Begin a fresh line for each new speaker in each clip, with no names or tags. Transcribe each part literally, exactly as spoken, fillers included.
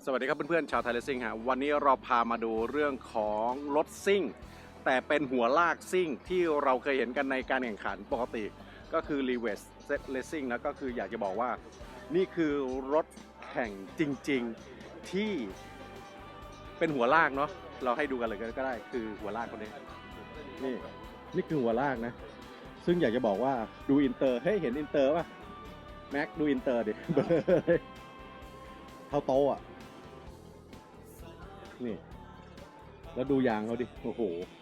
สวัสดีครับเพื่อนๆชาวไทยเลสซิ่งฮะวันนี้เราพามาดูเรื่องของรถซิ่งแต่เป็นหัวลากซิ่งที่เราเคยเห็นกันในการแข่งขันปกติก็คือ รีเวอร์ส เลสซิ่ง นะก็คืออยากจะบอกว่านี่คือรถแข่งจริงๆที่เป็นหัวลากเนาะเราให้ดูกันเลยก็ได้คือหัวลากคนนี้นี่นี่คือหัวลากนะซึ่งอยากจะบอกว่าดูอินเตอร์เฮ้ยเห็นอินเตอร์ป่ะแม็กดูอินเตอร์ดิ เท่าโตอ่ะนี่แล้วดูยางเขาดิโอ้โห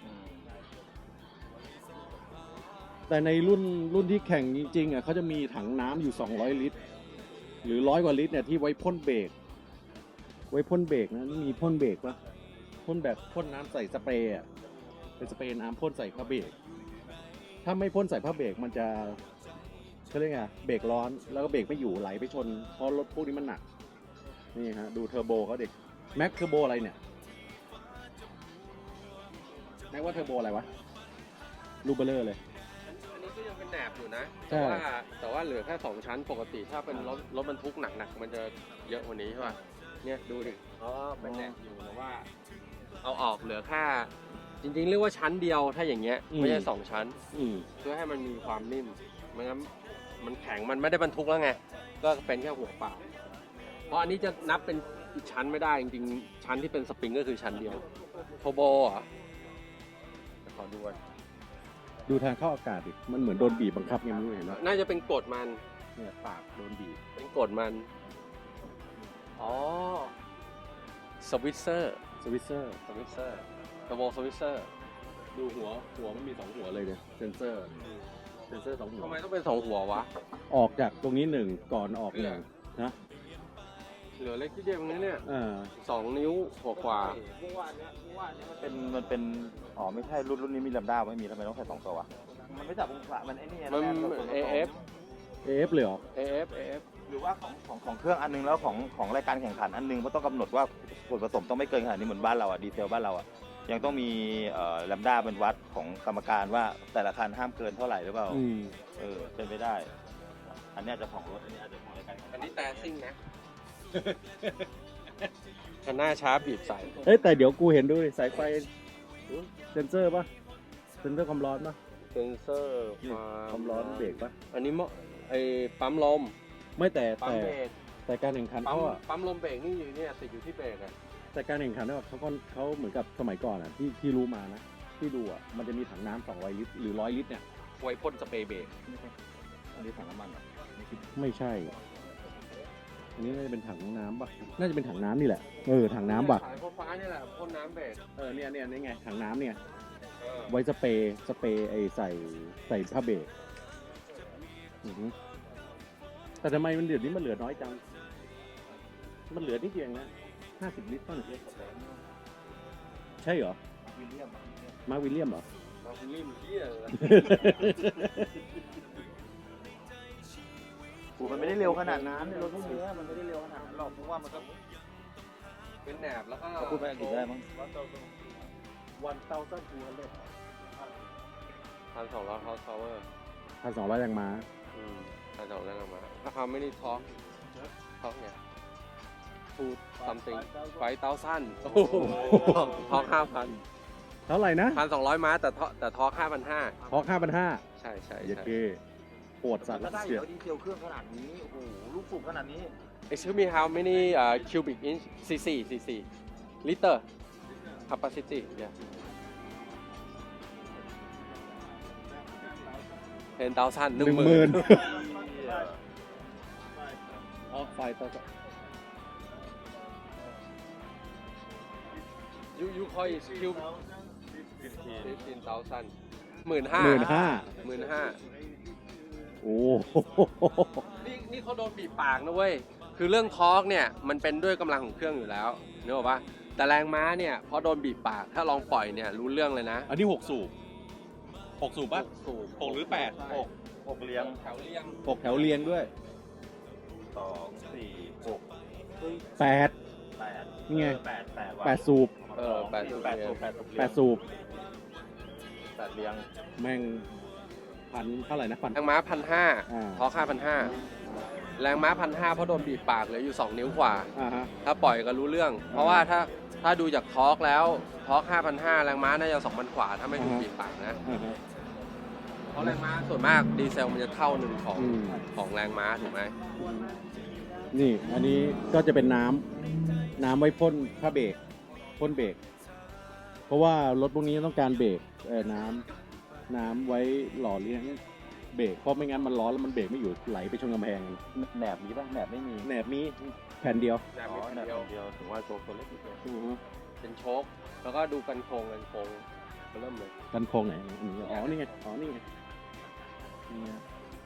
แต่ในรุ่นรุ่นที่แข่งจริงๆอ่ะเขาจะมีถังน้ำอยู่สองร้อยลิตรหรือร้อยกว่าลิตรเนี่ยที่ไว้พ่นเบรกไว้พ่นเบรกนะนี่มีพ่นเบรกปะพ่นแบบพ่นน้ำใส่สเปรย์อ่ะเป็นสเปรย์น้ำพ่นใส่ผ้าเบรกถ้าไม่พ่นใส่ผ้าเบรกมันจะเขาเรียกไงเบรกร้อนแล้วก็เบรกไม่อยู่ไหลไปชนเพราะรถพวกนี้มันหนักนี่ฮะดูเทอร์โบเขาเด็กแม็กเทอร์โบอะไรเนี่ยแม็กว่าเทอร์โบอะไรวะลูเบลเลอร์เลย
อันนี้ก็ยังเป็นแหนบอยู่นะ
ใช่
แต่ว่าแต่ว่าเหลือแค่สองชั้นปกติถ้าเป็นรถรถบรรทุกหนักๆมันจะเยอะกว่านี้ใช่ป่ะเนี่ยดูดิอ๋อเป็นแหนบอยู่แต่ว่าเอาออกเหลือแค่จริงๆเรียกว่าชั้นเดียวถ้าอย่างเงี้ยไม่ใช่สองชั้นเพื่อให้มันมีความนิ่มไม่งั้นมันแข็งมันไม่ได้บรรทุกแล้วไงก็เป็นแค่หัวเปล่าเพราะอันนี้จะนับเป็นอีกชั้นไม่ได้จริงๆชั้นที่เป็นสปริงก็คือชั้นเดียวโทโบอ่ะขอดูก่อน
ดูทางเข้าอากาศดิมันเหมือนโดนบีบบังคับไงไม่รู้เห็นไหม
น่าจะเป็นกฎมัน
เนี่ยปากโดนบีบ
เป็นกฎมันอ๋อสวิตเซอร์
สวิตเซอร์
สวิตเซอร์กระโบสวิตเซอร์
ดูหัวหัวมันมีสองหัวเลยเนี่ยเซนเซอร์เซนเซอร์สองหัว
ทำไมต้องเป็นสองหัววะ
ออกจากตรงนี้หนึ่งก่อนออกหนึ่งนะ
เหลือเล็กที่เดียวตรงนี้เนี่ย
อ่า
สองนิ้วกว่ากว่า
เป็นมันเป็นอ๋อไม่ใช่รุ่นรุ่นนี้มีลำด้าไม่มีทำไมต้องใส่สองตัววะมันไม่จับองศามันไอ้นี่
มัน เอ เอฟ
เอ เอฟ เลยเหรอ
เอ เอฟ เอ เอฟ
หรือว่าของของของเครื่องอันนึงแล้วของของรายการแข่งขันอันนึงมันต้องกำหนดว่าส่วนผสมต้องไม่เกินขนาดนี้เหมือนบ้านเราอ่ะดีเทลบ้านเราอ่ะยังต้องมีเอ่อลำด้าเป็นวัดของกรรมการว่าแต่ละคันห้ามเกินเท่าไหร่หรือเปล่าเออเป็นไปได้อันนี้อาจจะของรถอันนี้อาจจะของรายการ
อันนี้แต่ซิ่งนะคันหน้าช้าบีบใส่
เฮ้ยแต่เดี๋ยวกูเห็นด้วยสายไฟเซนเซอร์ป่ะเซนเซอร์ความร้อนป่ะ
เซนเซอร์
ความร้อนเบรกป่ะ
อันนี้ไอ้ปั๊มลม
ไม่แต่
แต่
แต่การแข่งขันเขาอะ
ปั๊มลมเบรกนี่อยู่เนี่ยติดอยู่ที่เบรกอะ
แต่การแข่งขันเขาก็เขาเหมือนกับสมัยก่อนอะที่ที่รู้มานะที่ดูอะมันจะมีถังน้ำสองร้อยลิตรหรือร้อยลิตรเนี่ย
ไว้พ่นสเปรย์เบรก
อันนี้ถังน้ำมันเหรอ
ไม่ใช่อันนี้น่าจะเป็นถังน้ำป่ะน่าจะเป็นถังน้ำนี่แหละเออถังน้ำป่ะ
สายฟ้านี่แหละพ่นน้ำเบรก
เออเนี่ยเนี่ยนี่ไงถังน้ำเนี่ยไว้สเปรย์สเปรย์ไอใส่ใส่ผ้าเบรกแต่ทำไมมันเดี๋ยวนี้มันเหลือน้อยจังมันเหลือนิดเดียวนะห้าสิบลิตรต้นใช่เหรอ
วิลเลียม
มาวิลเลียมเหรอ
มาวิลเลียมเที่ย
กูมันไม่ได้เร็วขนาดนั้นรถพวกนี้มันไม่ได้เร็วขนาดนั้นหรอกเพราะว่ามันก็
เป็นแหนบแล้วก็
พูดไปอังกฤษได้มั้ง
วันเต้าสั้นทูฮันเล็ด
พันสองร้อยฮอร์สพาวเวอร์
พันสองร้อยแรงม้า
อืมพันสองร้อยแรงม้าถ้าเขาไม่ได้ท็อกท็อกเนี่ยฟูดซัมติงไฟเต้าสั้นท็อกห้าพัน
เท่าไหร่นะ
พันสองร้อยม้าแต่แต่ท็อกห้าพันห้า
ท็อกห้าพันห้า
ใช่ใช่
ใช่ปวดสัตว์
แล้วเสียดีเทลเครื่องขนาดนี้โอ้โหลูกสูบขนาดนี้
Excuse me how many uh, cubic inch cc cc liter capacity yeah ten thousand หนึ่งหมื่น
ออกไฟต่อ
you you call it cube fifteen thousand หมื่นห้า
หมื่นห้า
หมื่นห้า
โอ้
นี่นี่เขาโดนบีบปากนะเว้ยคือเรื่องทอร์กเนี่ยมันเป็นด้วยกำลังของเครื่องอยู่แล้วนึกออกปะแต่แรงม้าเนี่ยพอโดนบีบปากถ้าลองปล่อยเนี่ยรู้เรื่องเลยนะ
อันนี้หกสูบหกสูบป่ะหกหรือแปด
หกหกเรียง
แถวเรียง
หกแถวเรียงด้วย
สองสี่หก
แปด
แปด
นี่ไง
แปดแปด
แปดสูบ
เออแปดสูบแปดสูบ
แปดสูบ
แปดเรียง
แม่งพันเท่าไหร่นะพัน
ทางม้าพันห้าทอค่าพันห้าแรงม้าพันห้าเพราะโดนบีบปากเหลืออยู่สองนิ้วกว่า
อ่าฮะ
ถ้าปล่อยก็รู้เรื่อง เพราะว่าถ้าถ้าดูจากทอร์กแล้วทอร์กห้าพันห้าแรงม้าน่าจะสองพันกว่าถ้าไม่ถูกบีบปากนะ
อ่าฮะ
เพราะแรงม้าส่วนมากดีเซลมันจะเท่าหนึ่งของ
อืม
ของแรงม้าถูกไหม
นี่อันนี้ก็จะเป็นน้ำน้ำไว้พ่นผ้าเบรกพ่นเบรกเพราะว่ารถพวกนี้ต้องการเบรกเออน้ำน้ำไว้หล่อเลี้ยงเบรกเพราะไม่งั้นมันร้อนแล้วมันเบรกไม่อยู่ไหลไปชนกำแพง
แหนบมีป่ะแหนบไม่มี
แหนบมีแผ่นเดียว
แรง
อ๋อ
ม้า
แหนบ
เดียว
เดียวถึงว่าตัวตัวเล็กนิดเดียว
อือฮึ
เป็นโชคแล้วก็ดูกันโครงกันโครงเริ่มเลย
กันโครงไหนอันนี้อ๋อนี่ไงอ๋อนี่ไงนี่ไง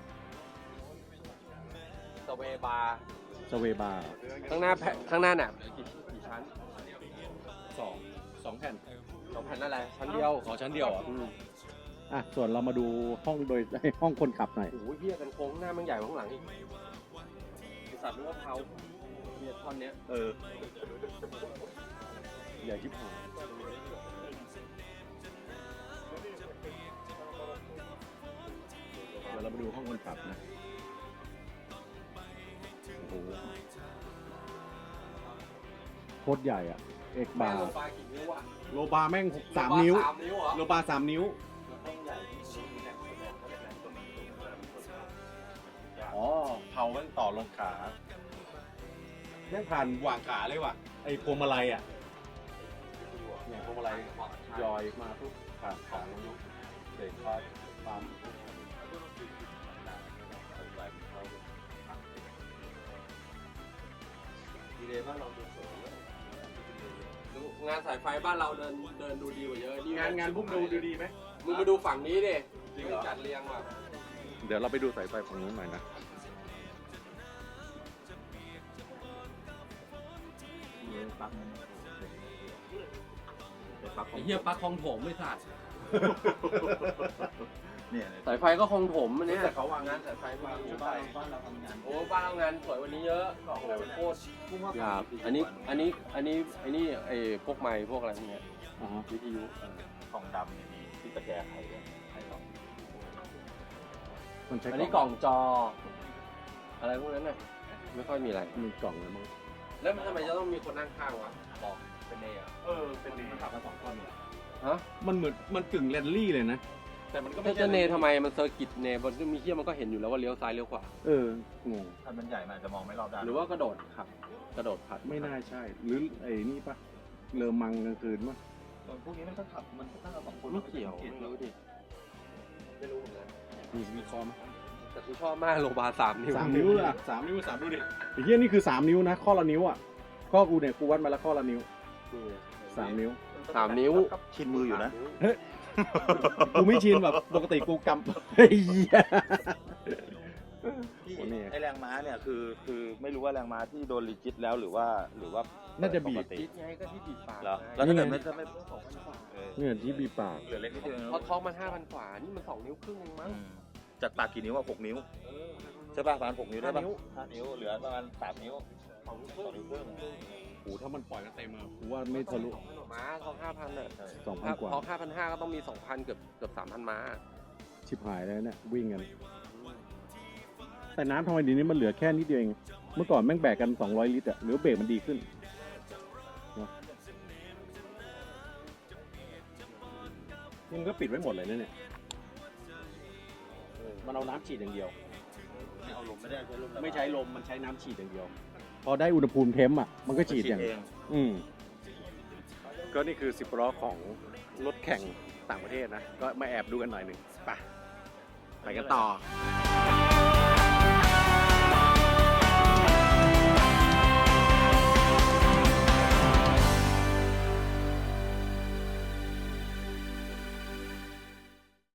สเวย์บาร์
สเวบาร์
ข้างหน้าแผ่นข้างหน้าหนักกี่กี่ชั้น
สองสองแผ่น
สองแผ่นนั่นแหละชั้นเดียว
ขอชั้นเดียวอ่ะ
อืม
อ่ะส่วนเรามาดูห้องโดย ห้องคนขับหน่อย
โอ้ยเหี้ยกันโค้งหน้ามันใหญ่กว่าข้างหลังอีกไอ้สัตว์นึกว่าเผาเนี่ยท่อนเนี้ย
เออ
ใหญ่ชิบหายเดี๋ยวเรามาดูห้องคนขับนะโอ้โหโคตรใหญ่อ่ะเอกบาร์
แม่งลงปลายกี่นิ้วอะ
โลบาร์แม่งสามนิ้ว
สามนิ้วเหรอ
โลบาร์สามนิ้ว อ๋อเผามันต่อลงขาแม่งผ่านหว่างขาเลยว่ะ ไอ้พวงมาลัยอ่ะเนี่ยพวงมาลัยยอยมาปุ๊บผ่านขาลงยุบเบรกคลัตช์ปั๊ม
ดีเลยบ้านเราดูสวยเลยดูงานสายไฟบ้านเราเดินเดินดูดีกว่าเยอะนี่
งานงานพวกดูดูดีไหม
มึงมาดูฝั่งนี้ดิ
จริงเหรอ
จัดเรียงว่ะ
เดี๋ยวเราไปดูสายไฟฝั่งนู้นหน่อยนะ
ปั๊บปั๊บ
ไอ้เหี้ยปลั๊กคลองถมไม่สัตว์
เนี่ย
สายไฟก็คลองถมอันเนี้ย
แต่เขาวางงานสายไฟวางอยู่บ้านบ้านเราทำงาน
โอ้บ้านเรางานสวยกวันนี้เยอะโอ้โหโคตร
พุ่งว่า
หยาบอันนี้อันนี้อันนี้ไอ้นี่ไอ้พวกไม้พวกอะไรพวกเนี้ย
อ๋อ
วิทยุ
กล่องดำเนี่ยมีที่ตะแกรงไขด้วยไขสอง
มันใช้
อันนี้กล่องจอ อะไรพวกนั้นน่ะไม่ค่อยมีอะไร
มีกล่องเลยมั้ง
แล้วมันทำไมจะต้องมีคนนั่งข้างวะบอกเป็นเนยอ่ะ
เออเป็นดีขับมาสองคนเนี่ย
ฮะ
มันเหมือนมันกึ่งแรนลี่เลยนะ
แต่มันก็
ถ้า
ไม่
จะเนทำไมมันเซอร์กิตเนมันก็มีเที่ยมันก็เห็นอยู่แล้วว่าเลี้ยวซ้ายเลี้ยวขวา
เอองง
ถ้ามันใหญ่มันอาจจะมองไม่รอบด้าน
หรือว่ากระโดดขับกระโดดผัด
ไม่น่าใช่ หรือไอ้นี่ปะเลอมังกลางคืนปะ
พวกนี้มันก็ขับมันก็ตั้งแต่สองคน
ไม่เกี่ยวไม่รู้ดิไม่รู้เหมือนกัน
มีมีคอม
แต่กูชอบมากโลบาสามนิ้ว
สามนิ้วอะสามนิ้วสามดูดิไอ้เหี้ยนี่คือสามนิ้วนะ ข้อละนิ้วอ่ะ ข้อกูเนี่ยกูวัดมาแล้วข้อละนิ้วสามนิ้ว
สามนิ้ว
ชินมืออยู่นะ
กูไม่ชินแบบปกติกูกำเฮ้ยเหี้ย
ที่
โอ้นี่
ไอแรงม้าเนี่ยคือคือไม่รู้ว่าแรงม้าที่โดนรีจิตแล้วหรือว่าหรือว่า
น่าจะบีบ
ปกติ
คิดไงก็ที่บีบปาก
เหรอ
ไง
แล้วถ้าเกิดไม่ถ้าไม่เออ
เนี่ยที่บีบปาก
เหลือเล็กนิดเดียวเอง
เพราะท้องมันห้าพันกว่า นี่มันสองนิ้วครึ่งเองมั้ง
อืมจากปากกี่นิ้วอะหกนิ้ว
เออ
ใช่ป่ะประมาณหกนิ้วได้ป่ะ
ห้านิ้ว
ห้านิ้วเหลือประมาณสามนิ้ว
สองนิ้วค
สอง
รึ่
นิ้
ง
วครึ่ง
โอ้ถ้ามันปล่อยกันเต็มอะกูว่าไม่ทะลุ
ม้าท้องห้าพันอ่ะ
ใช่
สองพันกว่า
ท้องห้าพันห้าก็ต้องมีสองพันเกือบเกือบสามพันม้า
ชิบหายแล้วเนี่ยวิ่งกัน แต่น้ำทำไมดีนี้มันเหลือแค่นิดเดียวเอง เมื่อก่อนแม่งแบกกันสองร้อยลิตรอะหรือเบรกมันดีขึ้นเนอะมันก็ปิดไว้หมดเลยนะเนี่ยเออมันเอาน้ำฉีดอย่างเดียว
ไม่เอาลมไม่ได้ใช้ลม
ไม่ใช้ลมมันใช้น้ำฉีดอย่างเดียว พอได้อุณหภูมิเทมป์อ่ะมันก็ฉีดอย่าง
เอง
อืมก็นี่คือสิบล้อของรถแข่งต่างประเทศนะ ก็มาแอบดูกันหน่อยหนึ่งไปไปกันต่อ